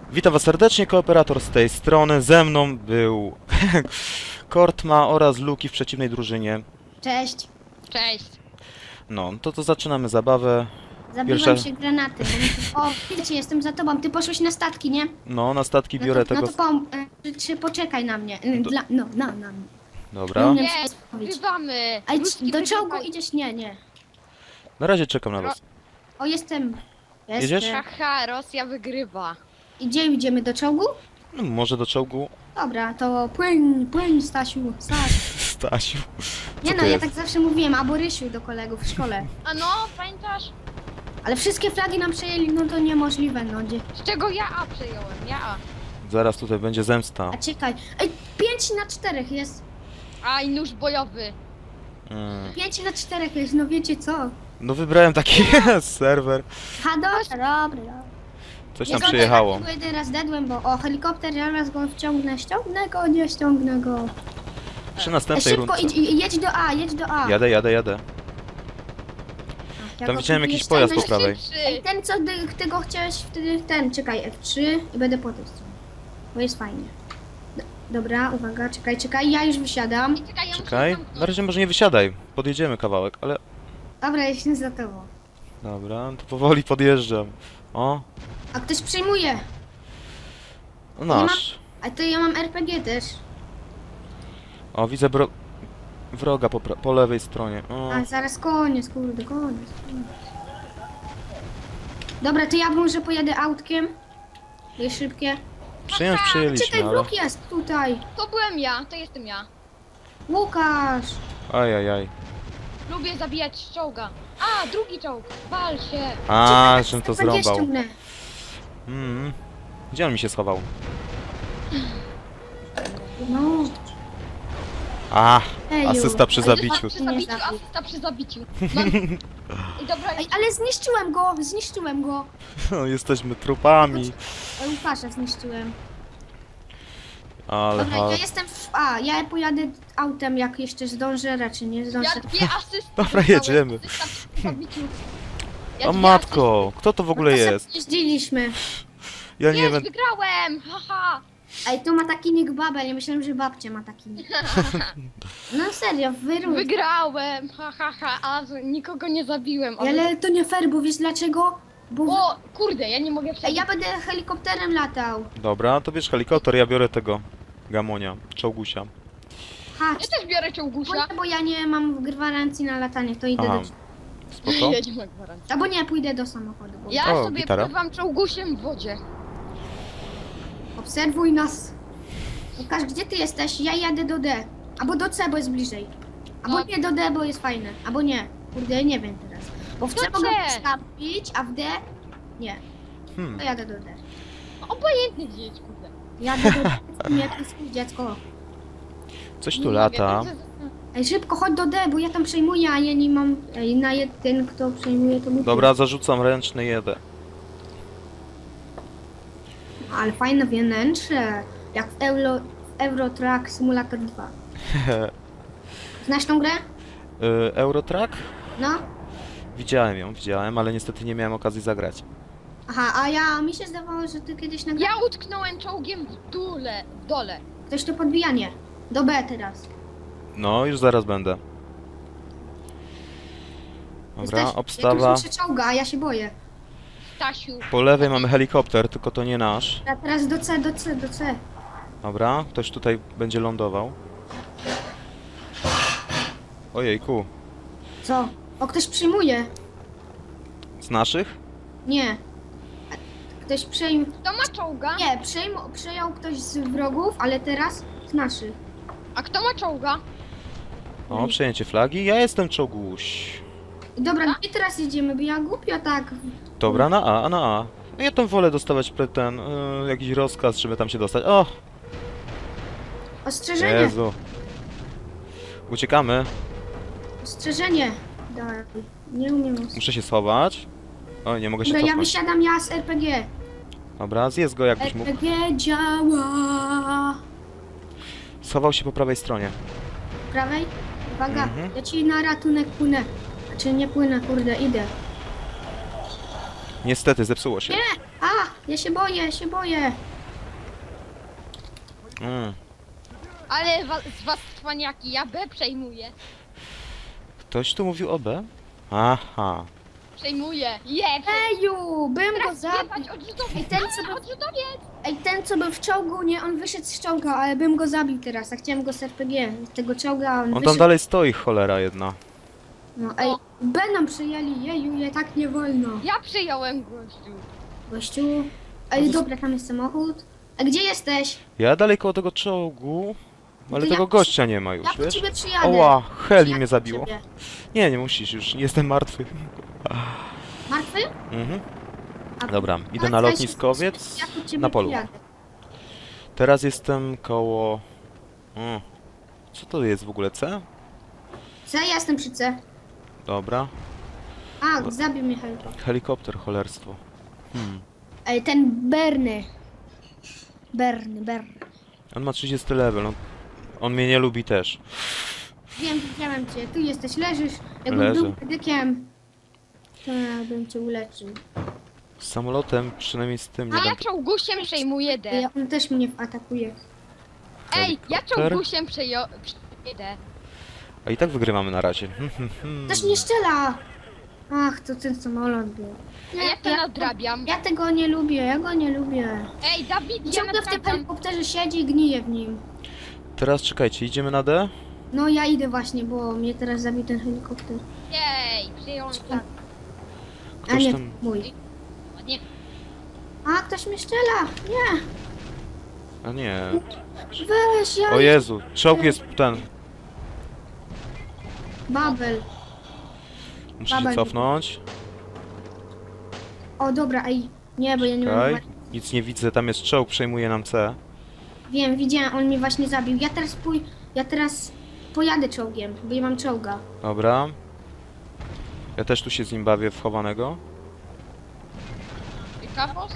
Witam was serdecznie, kooperator z tej strony. Ze mną był Kortma oraz Luki w przeciwnej drużynie. Cześć. Cześć. No, to zaczynamy zabawę. Zabiłam Pierwsza- się granaty. O, wiecie, jestem za tobą. Ty poszłeś na statki, nie? No, na statki biorę no tego... to czy poczekaj na mnie. Na mnie. Dobra. Nie. Jest, wrywamy. Ej, Ruski do czołgu wygrywają. idziesz? Nie. Na razie czekam na was. O, jestem. Jedziesz? Haha, Rosja wygrywa. Gdzie idziemy? Do czołgu? No, może do czołgu? Dobra, to płyń, Stasiu. Stasiu. Nie Co no, to ja jest? tak zawsze mówiłem, albo Rysiu do kolegów w szkole. A no, pamiętasz? Ale wszystkie flagi nam przejęli, no to niemożliwe, no gdzie. Z czego ja A przejąłem? Ja A. Zaraz tutaj będzie zemsta. A czekaj. Ej, 5-4 jest. A i nóż bojowy. 5-4 jest, no wiecie co? No wybrałem taki serwer. Ha, dobra. Coś Nie tam zgodzę, przyjechało. tak, jeden raz dedłem, bo o helikopter, zaraz go ściągnę go, nie ściągnę go. Przy następnej Szybko rundce. jedź do A. Jadę. Ach, Tam jak widziałem go jakiś próbuję pojazd po ściągnąć- prawej. Ej, ten co ty go chciałeś wtedy, czekaj, F3 i będę po tej stronie. Bo jest fajnie. Dobra, uwaga, czekaj, ja już wysiadam. Czekaj, ja Czekaj. muszę Na zamknąć. razie może nie wysiadaj. Podjedziemy kawałek, ale... Dobra, jestem za tobą. Dobra, to powoli podjeżdżam. O, A ktoś przyjmuje. no nasz. A to ja mam RPG też. O, widzę wroga po lewej stronie. O, A zaraz koniec. Dobra, to ja może pojadę autkiem. Jest szybkie. przyjęliśmy, Czekaj, ale... wróg jest tutaj. To byłem ja, to jestem ja. Łukasz. Ajajaj. Lubię zabijać z czołga. A, drugi czołg. Wal się. A, żem to RPG zrąbał. ściągnę. Gdzie on mi się schował? No. A, Eju. asysta przy Ale zabiciu. Przy zabiciu, Nie zabił. asysta przy zabiciu. Mam... I dobra, Ej, ale zniszczyłem go. Jesteśmy trupami. Łukasza zniszczyłem. Ale Dobra, ja jestem w A. Ja pojadę autem, jak jeszcze zdążę, raczej nie zdążę. ja dwie asysty Dobra, dostałem. jedziemy. Asysta przy zabiciu. Ja O dwie matko, kto to w ogóle No to jest? sobie jeździliśmy. Ja asysty. nie Jest, wiem. wygrałem! Haha! Ej, tu ma taki nick Babel, ja myślałem, że babcia ma taki nick. No serio, wyrósł. Wygrałem! A nikogo nie zabiłem. Ale to nie fair, bo wiesz dlaczego? Bo... O, kurde, ja nie mogę Ej, przejść. ja będę helikopterem latał. Dobra, to bierz helikopter, ja biorę tego Gamonia, czołgusia. Ha, Ja też biorę czołgusia. bo ja nie mam gwarancji na latanie, to idę Aha, do... spoko. Ja nie mam gwarancji. Albo nie, pójdę do samochodu. Bo... Ja O, sobie gitara. pływam czołgusiem w wodzie. Obserwuj nas. Łukasz, gdzie ty jesteś? Ja jadę do D. Albo do C, bo jest bliżej. Albo No. nie do D, bo jest fajne. Albo nie. Kurde, nie wiem teraz. Bo w C Do mogę C. wstawić, a w D nie. To jadę do D. Obojętnie gdzie jedź, kurde. Jadę do D, nie jest dziecko. Coś Nie tu mogę, lata. to- Ej, szybko, chodź do D, bo ja tam przejmuję, a ja nie mam... Ej, na jeden, kto przejmuje, to mój Dobra, zarzucam ręczny jedę. Ale fajne wnętrze. Jak w Euro Truck Simulator 2. Znasz tą grę? Eurotrack? No. Widziałem, ale niestety nie miałem okazji zagrać. Aha, a mi się zdawało, że ty kiedyś nagrałeś. Ja utknąłem czołgiem w dole. Ktoś to podbijanie. Do B teraz. No, już zaraz będę. Dobra, Jesteś- obstawa. Jak już się czołga, a ja się boję. Stasiu. Po lewej mamy helikopter, tylko to nie nasz. A teraz do C. Dobra, ktoś tutaj będzie lądował. Ojejku, Co? O, ktoś przyjmuje. z naszych? Nie. Ktoś przejmuje. Kto ma czołga? Nie, przejął ktoś z wrogów, ale teraz z naszych. A kto ma czołga? O, przejęcie flagi. Ja jestem czołguś. Dobra, gdzie teraz jedziemy? Bo ja głupio tak. Dobra, na A, na A. No ja tam wolę dostawać jakiś rozkaz, żeby tam się dostać. O, Ostrzeżenie. Jezu. Uciekamy. Ostrzeżenie. Daj. Nie umiem. Muszę się schować. O, nie mogę się Dobra, ja cofnąć. wysiadam ja z RPG. Dobra, zjedz go jakbyś mógł. RPG działa. Schował się po prawej stronie. Prawej? Uwaga, Mhm. ja ci na ratunek płynę. Znaczy nie płynę, kurde, idę. Niestety, zepsuło się. Nie! A, A, ja się boję, ja się boję. Ale z was cwaniaki, ja B przejmuję. Ktoś tu mówił o B? Aha. Przejmuję. Je! Eju, bym go Teraz zabił. jebać odrzutowiec! Ej, ten co był, Odrzutowiec! ten co był w czołgu, nie, on wyszedł z czołga, ale bym go zabił teraz, a chciałem go z RPG, z tego czołga, a on On tam wyszedł. dalej stoi, cholera jedna. No, ej, B nam przyjęli, jeju, je tak nie wolno. Ja przyjąłem gościu. Gościu, ej, dobra, tam jest samochód. A gdzie jesteś? Ja dalej koło tego czołgu, ale to tego ja- gościa nie ma już, Ja po wiesz? ciebie przyjadę. Oła, heli Przyjadę mnie po zabiło. ciebie. Nie, nie musisz już, jestem martwy. Martwy? Mhm. A- Dobra, idę a na weź- lotniskowiec, ja po ciebie na polu. przyjadę. Teraz jestem koło... Co to jest w ogóle, C? Co, ja jestem przy C. Dobra. A, zabił mnie helikopter. Helikopter, cholerstwo. Ej, ten Berny. Berny. On ma 30 level, no. On mnie nie lubi też. Wiem, widziałem cię. Tu jesteś, leżysz. Jakbym Leżę. był medykiem, to ja bym cię uleczył. Z samolotem, przynajmniej z tym nie A ja będę... czołgusiem przejmuję D. Ej, on też mnie atakuje. Ej, ja Helikopter? czołgusiem przejmuję D. A i tak wygrywamy na razie. Też nie strzela! Ach, to ten samolot był. A ja to nadrabiam. Ja tego nie lubię, ja go nie lubię. Ej, Dawid, ja Ciągle w tym nadrabiam. helikopterze siedzi i gnije w nim. Teraz czekajcie, idziemy na D? No ja idę właśnie, bo mnie teraz zabił ten helikopter. Jej, przyjąłem tak. A Ktoś nie, tam... mój. Ładnie. A, ktoś mnie strzela! Nie! A nie... Weź, ja... O Jezu, czołg jest ten... Babel. Muszę się Babel. cofnąć. O, dobra, ej. Nie, bo ja nie mam... Czekaj. Nic nie widzę, tam jest czołg, przejmuje nam C. Wiem, widziałem, on mnie właśnie zabił. Ja teraz pojadę czołgiem, bo ja mam czołga. Dobra. Ja też tu się z nim bawię wchowanego. I kapos?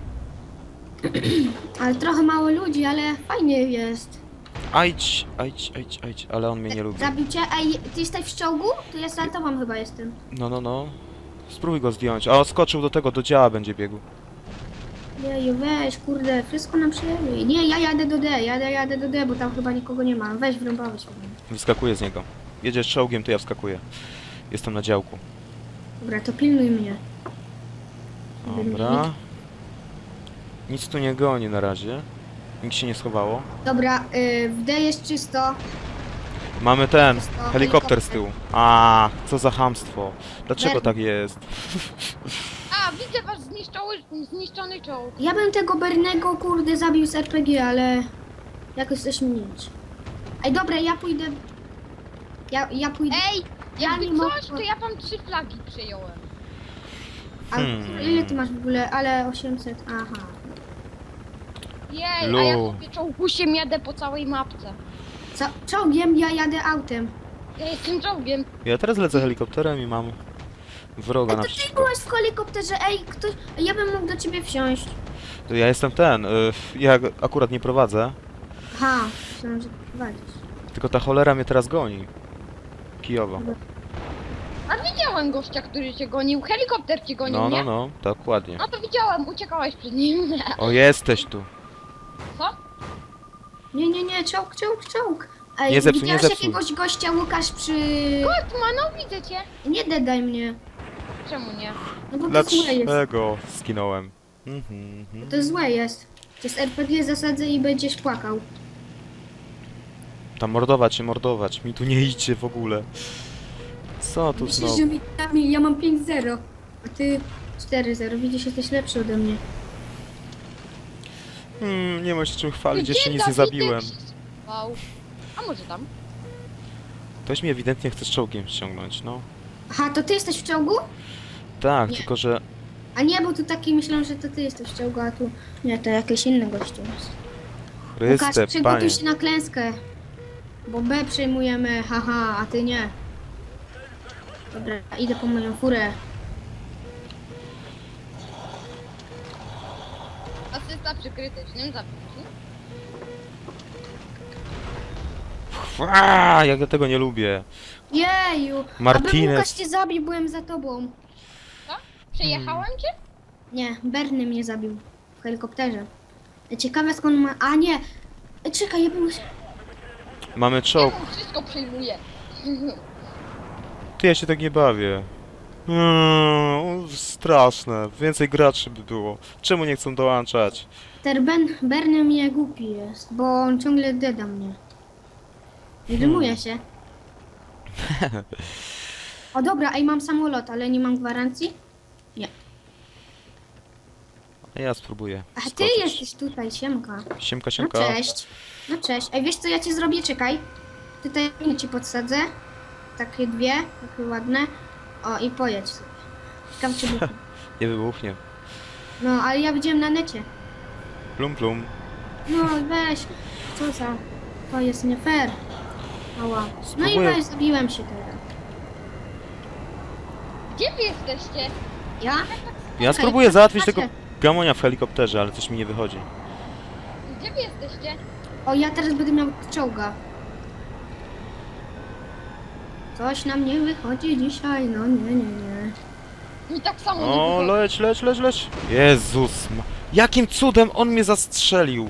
Ale trochę mało ludzi, ale fajnie jest. Ajdź, ale on mnie nie lubi. Zabił cię? Ej, ty jesteś w czołgu? To ja za tobą chyba jestem. No. Spróbuj go zdjąć. A, skoczył do tego, do działa będzie biegł. Jeju, weź, kurde, wszystko nam przyjęli. Nie, ja jadę do D, jadę do D, bo tam chyba nikogo nie ma. Weź, wrąbałeś mnie. Wyskakuję z niego. Jedziesz czołgiem, to ja wskakuję. Jestem na działku. Dobra, to pilnuj mnie. Dobra. Nic tu nie goni na razie. Nikt się nie schowało. Dobra, w D jest czysto. Mamy ten, Jest to helikopter z helikopter. tyłu. A, co za chamstwo. Dlaczego Ber- tak jest? A, widzę wasz zniszczony czołg. Ja bym tego Bernego, kurde, zabił z RPG, ale jakoś coś mniejsze. Ej, dobra, ja pójdę... Ja pójdę... Ej, Ja jakby nie coś, mogę. to ja wam 3 flagi przejąłem. A ile ty masz w ogóle? Ale 800, aha. Jej, a ja Lu. sobie czołgusiem jadę po całej mapce. Co? Czołgiem? Ja jadę autem. Ja jestem czołgiem. Ja teraz lecę helikopterem i mam wroga Ej, na to ty wszystko. byłeś w helikopterze, ej, ktoś... Ja bym mógł do ciebie wsiąść. To ja jestem ten, ja akurat nie prowadzę, Aha, myślałam, że prowadzisz. tylko ta cholera mnie teraz goni. Kijowo. A widziałem gościa, który cię gonił. Helikopter cię gonił, nie? No, dokładnie. No to widziałem, uciekałeś przed nim. O, jesteś tu. Co? Nie, czołg. Ej, Nie zepsuj, widziałeś nie zepsuj. jakiegoś gościa, Łukasz, przy... Kotma, no widzę cię. Nie dedaj mnie. Czemu nie? No bo to złe jest. Dlaczego skinąłem? To złe jest. To jest RPG zasadzę i będziesz płakał. Tam mordować, mi tu nie idzie w ogóle. Co tu Myślisz, znowu? że ja mam 5-0, a ty 4-0. Widzisz, jesteś lepszy ode mnie. Nie ma się czym chwalić, jeszcze nic nie Dawidek zabiłem. się schował. A może tam? Ktoś mnie ewidentnie chce z czołgiem ściągnąć, no. Aha, to ty jesteś w czołgu? Tak, Nie. tylko że... A nie, bo tu taki myślałem, że to ty jesteś w czołgu, a tu... Nie, to jakieś inne gościu jest. Łukasz, Chryste, przygotuj panie. się na klęskę. Bo B przejmujemy, haha, a ty nie. Dobra, idę po moją furę. Asysta przy krytycznym zabiciu. Jak ja tego nie lubię. Jeju! Martinez. Aby Łukasz cię zabił, byłem za tobą. Co? Przejechałem cię? Nie, Berny mnie zabił w helikopterze. Ciekawe skąd ma... A nie! Czekaj, ja bym... Mamy czołg. On wszystko przejmuje. Ty, ja się tak nie bawię. Straszne. Więcej graczy by było. Czemu nie chcą dołączać? Ten Berny mnie głupi jest, bo on ciągle deda mnie. I rymuje się. O dobra, ej, mam samolot, ale nie mam gwarancji. Nie. Ja spróbuję. A ty skoczyć. jesteś tutaj, siemka. Siemka, No siemka. cześć. No cześć. Ej, wiesz co ja ci zrobię? Czekaj. Tutaj ci podsadzę. Takie dwie, takie ładne. O, i pojedź sobie. Ciekawe czy buchnie. Nie wybuchnie. No, ale ja widziałem na necie. Plum, plum. No, weź. Co za... To jest nie fair. Ała. No i Spróbuję. weź, zabiłem się teraz. Gdzie wy jesteście? Ja? Ja Czekaj, spróbuję załatwić patrzę. tego gamonia w helikopterze, ale coś mi nie wychodzi. Gdzie wy jesteście? O, ja teraz będę miał czołga. Coś nam nie wychodzi dzisiaj, no nie. Mi tak samo nie O, wychodzi. leć. Jezus. Jakim cudem on mnie zastrzelił?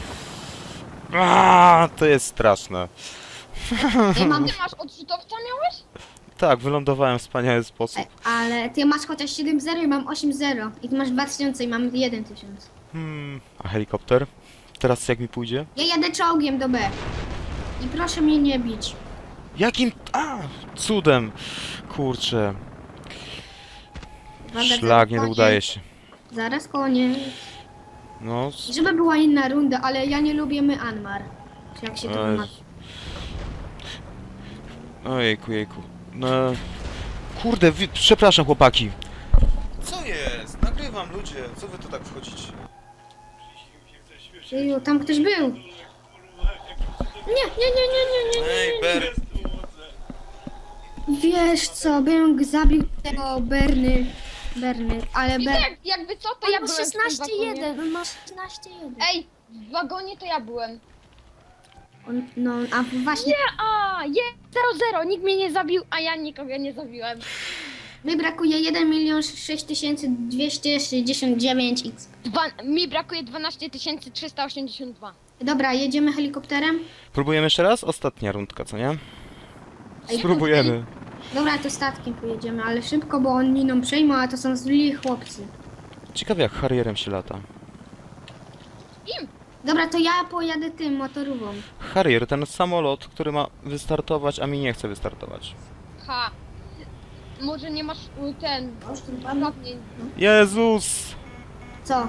To jest straszne. Ej, mam, ty masz odrzutowca miałeś? Tak, wylądowałem w wspaniały sposób. Ej, ale ty masz chociaż 7-0 i mam 8-0. I ty masz 2000 i mam 1000. A helikopter? Teraz jak mi pójdzie? Ja jadę czołgiem do B. I proszę mnie nie bić. Jakim... cudem. Kurczę. Uwaga, Szlak, zaraz nie koniec. udaje się. Zaraz koniec. No, Żeby była inna runda, ale ja nie lubię Myanmar. Czy jak się to Ej. ma? ojejku. No... Kurde, przepraszam chłopaki. Co jest? Nagrywam, ludzie. Co wy tu tak wchodzicie? Jeju, tam ktoś był. Nie. Ej, Ber... Wiesz co, bym zabił tego Berny, ale Widzę, Ber... jakby co, to On ja ma byłem w tym wagonie. 16-1, on ma 16-1. Ej, w wagonie to ja byłem. No, a właśnie, Nie, 0-0, nikt mnie nie zabił, a ja nikogo nie zabiłem. mi brakuje 1 6269 x. Mi brakuje 12 382. Dobra, jedziemy helikopterem? Próbujemy jeszcze raz? Ostatnia rundka, co nie? Ej, Spróbujemy. Dobra, to statkiem pojedziemy, ale szybko, bo oni nam przejmą, a to są źli chłopcy. Ciekawe jak Harrierem się lata. Im! Dobra, to ja pojadę tym motorówą. Harrier, ten samolot, który ma wystartować, a mi nie chce wystartować. Ha. Może nie masz ten... uprawnień. Jezus! Co?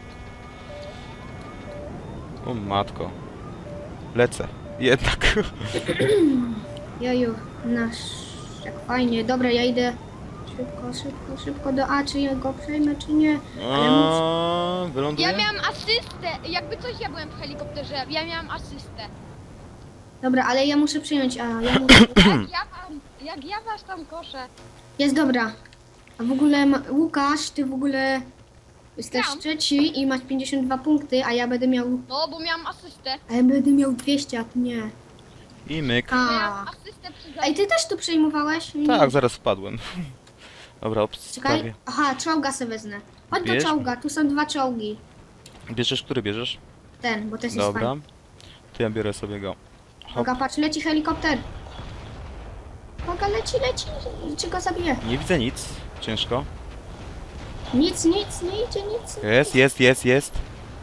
O matko. Lecę. Jednak. Joju, nasz... Jak fajnie. Dobra, ja idę szybko do A, czy ja go przejmę, czy nie. Ale Wyląduję? Ja miałam asystę, jakby coś ja byłem w helikopterze, ja miałam asystę. Dobra, ale ja muszę przyjąć A. Ja muszę... Jak ja was tam koszę. Jest dobra. A w ogóle Łukasz, ty w ogóle jesteś Gram. trzeci i masz 52 punkty, a ja będę miał... No, bo miałam asystę. A ja będę miał 200, a ty nie. I myk. Miałam A. asystę przy Ej, ty też tu przejmowałeś? Tak, zaraz wpadłem. Dobra, Czekaj. obstawię. Aha, czołga se wezmę. Chodź Bierz. do czołga, tu są 2 czołgi. Bierzesz, który bierzesz? Ten, bo to jest Dobra. fajny. To ja biorę sobie go. Hop. Uwaga, patrz, leci helikopter. Uwaga, leci. Czy go zabije? Nie widzę nic. Ciężko. Nic, nie idzie, nic. Jest.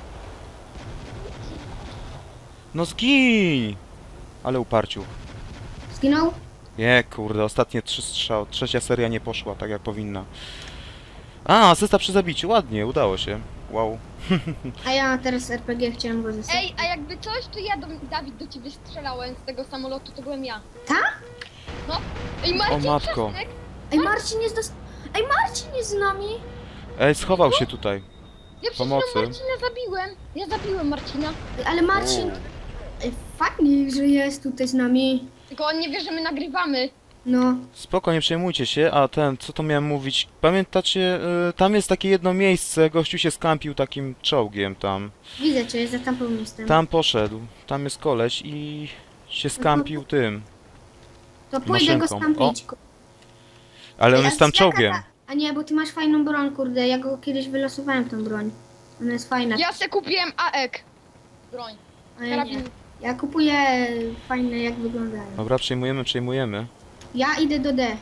No zgiń! Ale uparciu. Zginął? Nie, kurde, ostatnie 3 strzały. Trzecia seria nie poszła tak jak powinna. Asysta przy zabiciu, ładnie, udało się. Wow. A ja teraz RPG chciałem go zyskać. Ej, a jakby coś, to ja Dawid do ciebie strzelałem z tego samolotu, to byłem ja. Tak? No. Ej, Marcin, O matko. przestań. Ej, Marcin jest Ej, Marcin jest z nami! Ej, schował się tutaj. Ja przecież Pomocy. Marcina zabiłem. Ja zabiłem Marcina. Ej, ale Marcin... Ej, fajnie, że jest tutaj z nami. Tylko on nie wie, że my nagrywamy. No. Spoko, nie przejmujcie się, a co to miałem mówić? Pamiętacie, tam jest takie jedno miejsce, gościu się skampił takim czołgiem tam. Widzę cię, za tamtą miejscem. Tam poszedł, tam jest koleś i się skampił tym. To pójdę go maszynką. stampić. Ale on Ej, jest tam a z jaka czołgiem. A nie, bo ty masz fajną broń, kurde. Ja go kiedyś wylosowałem, tą broń. Ona jest fajna. Ja se kupiłem AEK. Broń. A ja nie. Karabin. Ja kupuję fajne, jak wyglądają. Dobra, przejmujemy. Ja idę do D.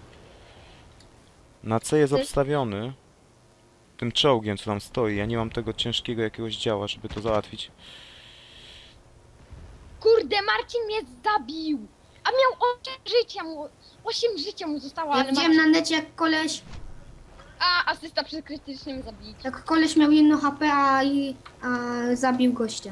Na C jest Ty- obstawiony tym czołgiem, co tam stoi. Ja nie mam tego ciężkiego jakiegoś działa, żeby to załatwić. Kurde, Marcin mnie zabił. A miał 8 życia mu zostało, Ja ale widziałem Marcin... na necie, jak koleś... asysta przy krytycznym zabiciu. Jak koleś miał 1 HP, a zabił gościa.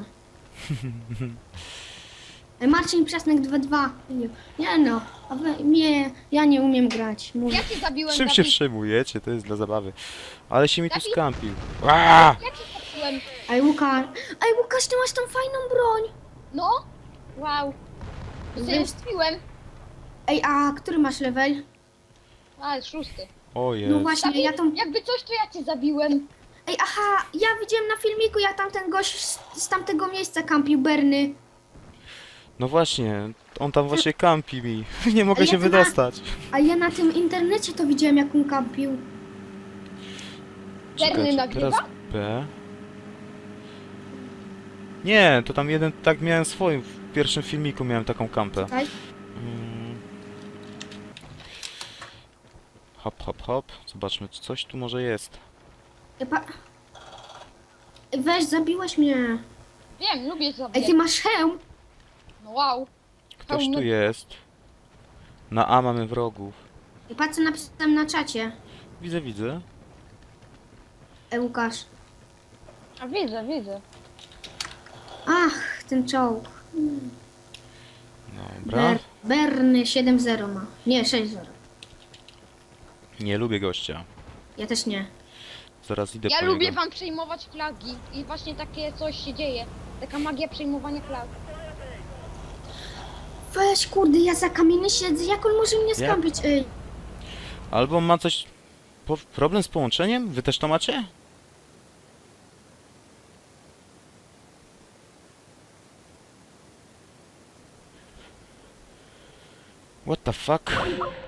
Marcin Przesnek 2-2. Nie no, ja nie umiem grać. Mówię. Ja cię zabiłem, Czym się Dawid. przejmujecie? To jest dla zabawy. Ale się mi tu Dawid? skampił. Aaaa! Ja cię zabiłem. Ej Łukasz, ty masz tą fajną broń. No. Wow. Ja sobie Wiesz- uspiłem. Ej, a który masz level? A, 6. O No jest. właśnie, ja tą... Jakby coś, to ja cię zabiłem. Ej, aha, ja widziałem na filmiku, jak tamten gość z tamtego miejsca kampił Berny. No właśnie, on tam właśnie kampi mi. Nie mogę Ale się ja to na- wydostać. A ja na tym internecie to widziałem, jak on kampił. Czerny nagrywa? teraz B. Nie, to tam jeden, tak miałem swoim, w pierwszym filmiku miałem taką kampę. Czekaj. Mm. Hop. Zobaczmy, czy coś tu może jest. Ej, weź, zabiłeś mnie. Wiem, lubię Ej, zabijać. ty masz hełm. No wow. Ktoś Pełny- tu jest. Na A mamy wrogów. Ej, patrz, co napisałem na czacie. Widzę. Ej, Łukasz. A widzę. Ach, ten czołg. Dobra. Berny 7-0 ma. Nie, 6-0. Nie lubię gościa. Ja też nie. Zaraz idę Ja po lubię niego. wam przejmować flagi. I właśnie takie coś się dzieje. Taka magia przejmowania flag. Weź, kurde, ja za kamieniem siedzę. Jak on może mnie skampić? Ej. Albo ma coś... Problem z połączeniem? Wy też to macie? What the fuck?